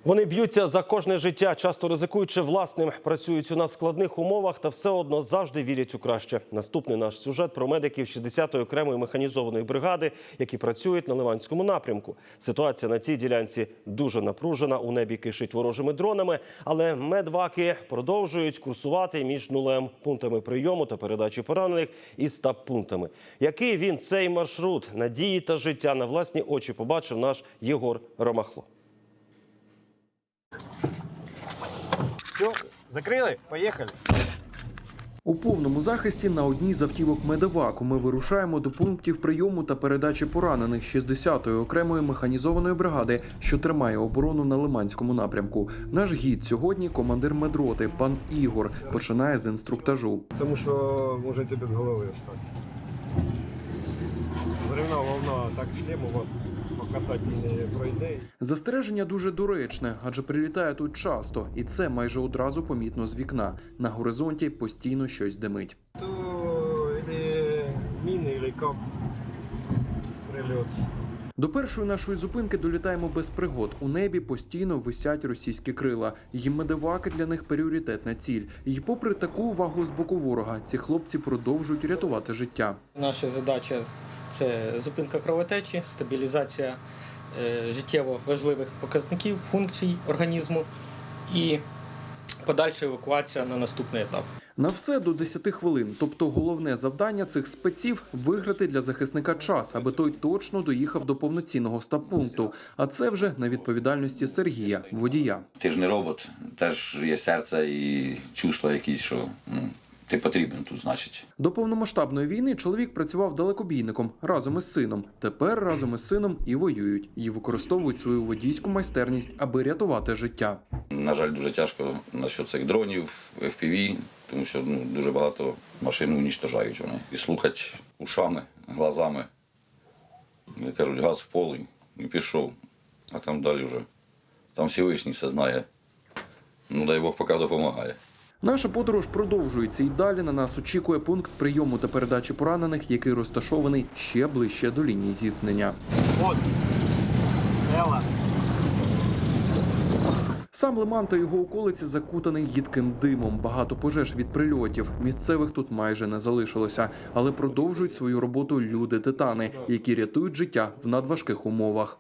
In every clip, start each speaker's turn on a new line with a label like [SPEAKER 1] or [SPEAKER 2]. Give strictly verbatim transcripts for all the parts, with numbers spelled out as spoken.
[SPEAKER 1] Вони б'ються за кожне життя, часто ризикуючи власним, працюють у надскладних умовах та все одно завжди вірять у краще. Наступний наш сюжет про медиків шістдесятої окремої механізованої бригади, які працюють на Лиманському напрямку. Ситуація на цій ділянці дуже напружена, у небі кишить ворожими дронами, але медваки продовжують курсувати між нулем, пунктами прийому та передачі поранених і стаб-пунктами. Який він цей маршрут надії та життя на власні очі побачив наш Єгор Ромахло.
[SPEAKER 2] Все, закрили, поїхали.
[SPEAKER 3] У повному захисті на одній з автівок медеваку ми вирушаємо до пунктів прийому та передачі поранених шістдесятої окремої механізованої бригади, що тримає оборону на Лиманському напрямку. Наш гід сьогодні – командир медроти, пан Ігор, починає з інструктажу.
[SPEAKER 2] Тому що можете без голови остатися. Зривна волна, так шлем у вас по касательній пройде.
[SPEAKER 3] Застереження дуже доречне, адже прилітає тут часто, і це майже одразу помітно з вікна. На горизонті постійно щось димить.
[SPEAKER 2] То или міни, или кап прильот.
[SPEAKER 3] До першої нашої зупинки долітаємо без пригод. У небі постійно висять російські крила. І медеваки для них пріоритетна ціль. І попри таку увагу з боку ворога, ці хлопці продовжують рятувати життя.
[SPEAKER 4] Наша задача – це зупинка кровотечі, стабілізація е, життєво важливих показників, функцій організму і подальша евакуація на наступний етап.
[SPEAKER 3] На все до десяти хвилин. Тобто головне завдання цих спеців – виграти для захисника час, аби той точно доїхав до повноцінного стаб-пункту. А це вже на відповідальності Сергія, водія.
[SPEAKER 5] Ти ж не робот, теж є серце і чувства якісь, що ну, ти потрібен тут, значить.
[SPEAKER 3] До повномасштабної війни чоловік працював далекобійником разом із сином. Тепер разом із сином і воюють. І використовують свою водійську майстерність, аби рятувати життя.
[SPEAKER 5] На жаль, дуже тяжко насчет цих дронів, еф пі ві, тому що ну, дуже багато машин уничтожають вони. І слухати ушами, глазами. Як кажуть, газ в поле і пішов. А там далі вже, там Всевишній все знає. Ну, дай Бог, поки допомагає.
[SPEAKER 3] Наша подорож продовжується і далі на нас очікує пункт прийому та передачі поранених, який розташований ще ближче до лінії зіткнення.
[SPEAKER 2] От, стояла.
[SPEAKER 3] Сам Лиман та його околиці закутаний їдким димом. Багато пожеж від прильотів. Місцевих тут майже не залишилося. Але продовжують свою роботу люди-титани, які рятують життя в надважких умовах.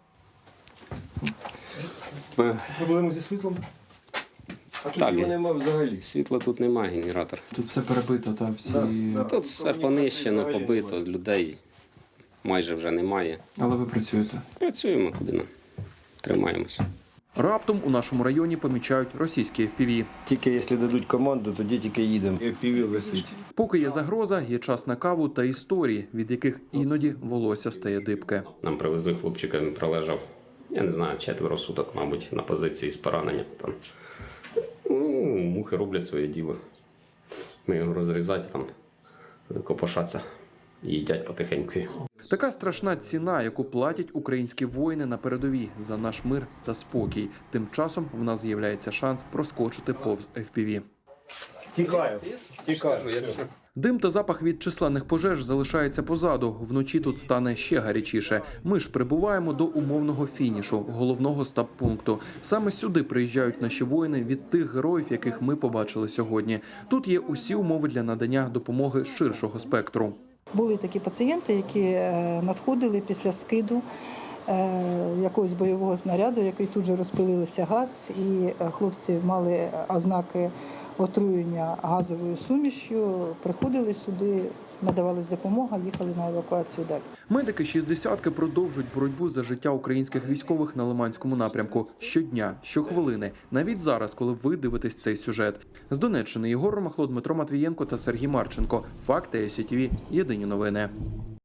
[SPEAKER 2] Проблеми зі світлом? А тут
[SPEAKER 6] Так,
[SPEAKER 2] його немає взагалі.
[SPEAKER 6] світла тут немає, генератор.
[SPEAKER 7] Тут все перебито, та всі.
[SPEAKER 2] Да, да.
[SPEAKER 6] Тут все понищено, побито, людей майже вже немає.
[SPEAKER 7] Але ви працюєте.
[SPEAKER 6] Працюємо, куди нам. Тримаємося.
[SPEAKER 3] Раптом у нашому районі помічають російські еф пі ві.
[SPEAKER 2] Тільки якщо дадуть команду, тоді тільки їдемо. еф пі ві висить.
[SPEAKER 3] Поки є загроза, є час на каву та історії, від яких іноді волосся стає дибке.
[SPEAKER 6] Нам привезли хлопчика, він пролежав, я не знаю, четверо суток, мабуть, на позиції з пораненням. Там. Ну, мухи роблять своє діло. Ми його розрізати, там, копошаться і їдять потихеньку.
[SPEAKER 3] Така страшна ціна, яку платять українські воїни на передовій за наш мир та спокій. Тим часом в нас з'являється шанс проскочити повз еф пі ві.
[SPEAKER 2] Тікаю, тікаю.
[SPEAKER 3] Дим та запах від численних пожеж залишається позаду. Вночі тут стане ще гарячіше. Ми ж прибуваємо до умовного фінішу, головного стаб-пункту. Саме сюди приїжджають наші воїни від тих героїв, яких ми побачили сьогодні. Тут є усі умови для надання допомоги ширшого спектру.
[SPEAKER 8] Були такі пацієнти, які надходили після скиду якогось бойового снаряду, який тут же розпилився газ, і хлопці мали ознаки отруєння газовою сумішю, приходили сюди, надавалась допомога, їхали на евакуацію далі.
[SPEAKER 3] Медики шістдесятки продовжують боротьбу за життя українських військових на Лиманському напрямку. Щодня, щохвилини, навіть зараз, коли ви дивитесь цей сюжет. З Донеччини Єгор Ромахло, Дмитро Матвієнко та Сергій Марченко. Факти ай сі ті ві. Єдині новини.